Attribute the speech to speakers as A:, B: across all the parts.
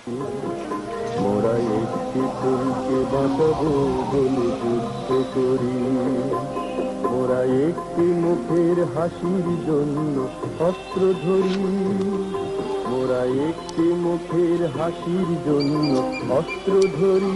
A: মোরা একটি ফুলকে বাঁচাবো বলে যুদ্ধ করি, মোরা একটি মুখের হাসির জন্য অস্ত্র ধরি, মোরা একটি মুখের হাসির জন্য অস্ত্র ধরি।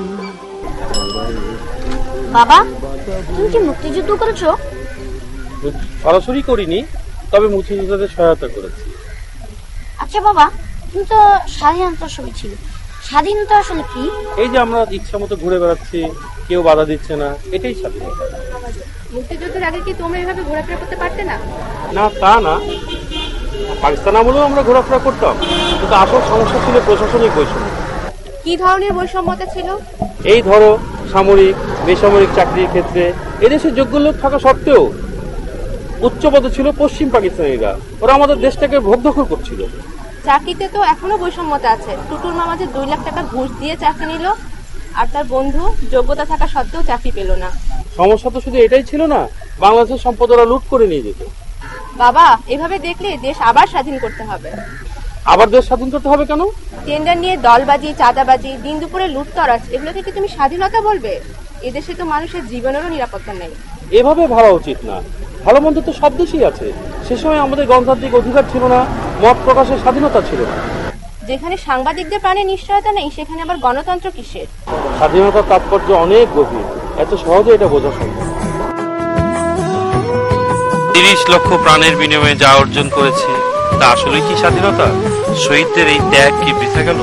B: বাবা, তুমি কি মুক্তিযুদ্ধ করেছো?
C: সরাসরি করিনি, তবে মুক্তিযোদ্ধাদের সহায়তা করেছি।
B: আচ্ছা বাবা, তুমি তো স্বাধীনতার ছবি ছিল, স্বাধীনতা আসলে কি?
C: এই যে আমরা ইচ্ছা মতো ঘুরে বেড়াচ্ছি, কেউ বাধা দিচ্ছে না, এটাই স্বাধীনতা।
D: মুক্তিযুদ্ধের আগে কি তোমরা এভাবে ঘোরাফেরা করতে পারতে না?
C: না, তা না, পাকিস্তান আমলেও আমরা ঘোরাফেরা করতাম, কিন্তু আসল সমস্যা ছিল প্রশাসনিক বৈষম্য।
D: কি ধরনের বৈষম্যতা ছিল?
C: এই ধরো, সামরিক বেসামরিক চাকরির ক্ষেত্রে এদেশের যোগ্য লোক থাকা সত্ত্বেও উচ্চপদে ছিল পশ্চিম পাকিস্তানিরা, ওরা আমাদের দেশটাকে ভোগ দখল করছিল।
D: চাকরিতে তো এখনো বৈষম্যতা আছে। টুটুর মামা যে 2 লাখ টাকা ঘুষ দিয়ে চাকরি নিল, আর তার বন্ধু যোগ্যতা থাকা সত্ত্বেও চাকরি পেল না।
C: সমস্যা তো শুধু এটাই ছিল না, বাংলাদেশের সম্পদ ওরা লুট করে নিয়ে যেত।
D: বাবা, এভাবে দেখলে দেশ আবার স্বাধীন করতে হবে।
C: আবার দেশ স্বাধীন করতে হবে কেন?
D: টেন্ডার নিয়ে দলবাজি, চাঁদাবাজি, দিন দুপুরে লুটতরাজ, এগুলোকে কি তুমি স্বাধীনতা বলবে? এদেশে তো মানুষের জীবনেরও নিরাপত্তা নেই।
C: এভাবে ভাবা উচিত না। ভালো মন্দ তো সব দেশেই আছে। সে সময় আমাদের গণতান্ত্রিক অধিকার ছিল না, মত প্রকাশের স্বাধীনতা ছিল না।
D: যেখানে সাংবাদিকদের প্রাণে নিশ্চয়তা নেই, সেখানে আবার গণতন্ত্র কিসের?
C: স্বাধীনতার তাৎপর্য অনেক গভীর, এত সহজে এটা বোঝা সম্ভব।
E: 30 লক্ষ প্রাণের বিনিময়ে যা অর্জন করেছে তা আসলে কি স্বাধীনতা? শহীদদের এই ত্যাগ কি বৃথা গেল?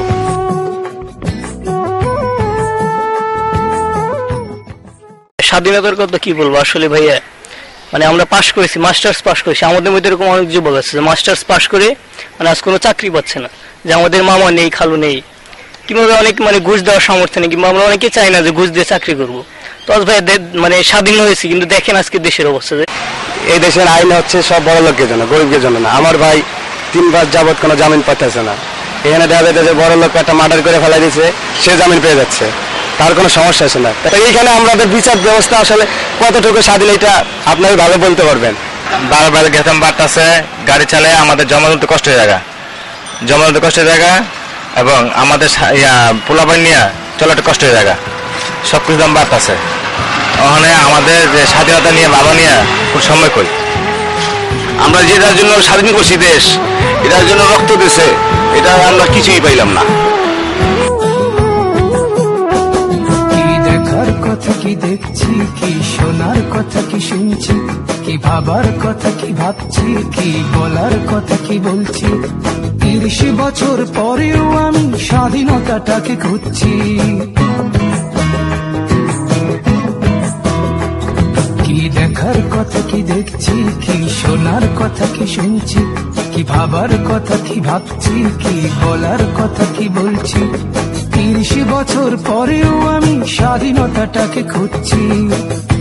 F: স্বাধীনতার কথা কি বলবো আসলে ভাইয়া, মানে আমরা পাশ করেছি, মাস্টার্স পাশ করেছি, আমাদের মধ্যে এরকম অনেক যুবক আছে মাস্টার্স পাশ করে মানে আজ কোনো চাকরি পাচ্ছে না, যে আমাদের মামা নেই, খালু নেই, কিভাবে অনেক মানে ঘুষ দেওয়ার সামর্থ্য নেই, কিংবা আমরা অনেকে চাই না যে ঘুষ দিয়ে চাকরি করবো। তো ভাই মানে স্বাধীন হয়েছি, কিন্তু দেখেন আজকে দেশের অবস্থা।
G: এই দেশের আইন হচ্ছে সব বড় লোকের জন্য, গরিবের জন্য না। আমার ভাই 3 বার যাবত কোনো জামিন পাচ্ছে না। এখানে দেখা যায় যে বড় লোক একটা মার্ডার করে ফেলাই দিচ্ছে, সে জামিন পেয়ে যাচ্ছে, তার কোনো সমস্যা আছে না। তো এইখানে আমাদের বিচার ব্যবস্থা আসলে কতটুকু স্বাধীন এটা আপনারা ভালো বলতে পারবেন।
H: বারবার গেতাম বাড়তেছে, গাড়ি চালায় আমাদের জমা তুলতে কষ্টের জায়গা, এবং আমাদের পোলাপান নিয়ে চলাটা কষ্টের জায়গা, সবকিছু দাম বাড়তেছে। ওখানে আমাদের যে স্বাধীনতা নিয়ে ভাবা নিয়ে খুব সময় কই,
G: আমরা যেটার জন্য স্বাধীন করছি দেশ, এটার জন্য রক্ত দিছে, এটা আমরা কিছুই পাইলাম না।
I: কি দেখার কথা কি দেখছি, কি শোনার কথা কি শুনছি, কি ভাবার কথা কি ভাবছি, কি বলার কথা কি বলছি। 30 বছর পরেও আমি স্বাধীনতাটাকে খুঁজছি। কি দেখার কথা কি দেখছি, কি শোনার কথা কি শুনছি, কি ভাবার কথা কি ভাবছি, কি বলার কথা কি বলছি। 30 বছর পরেও আমি স্বাধীনতাটাকে খুঁজছি।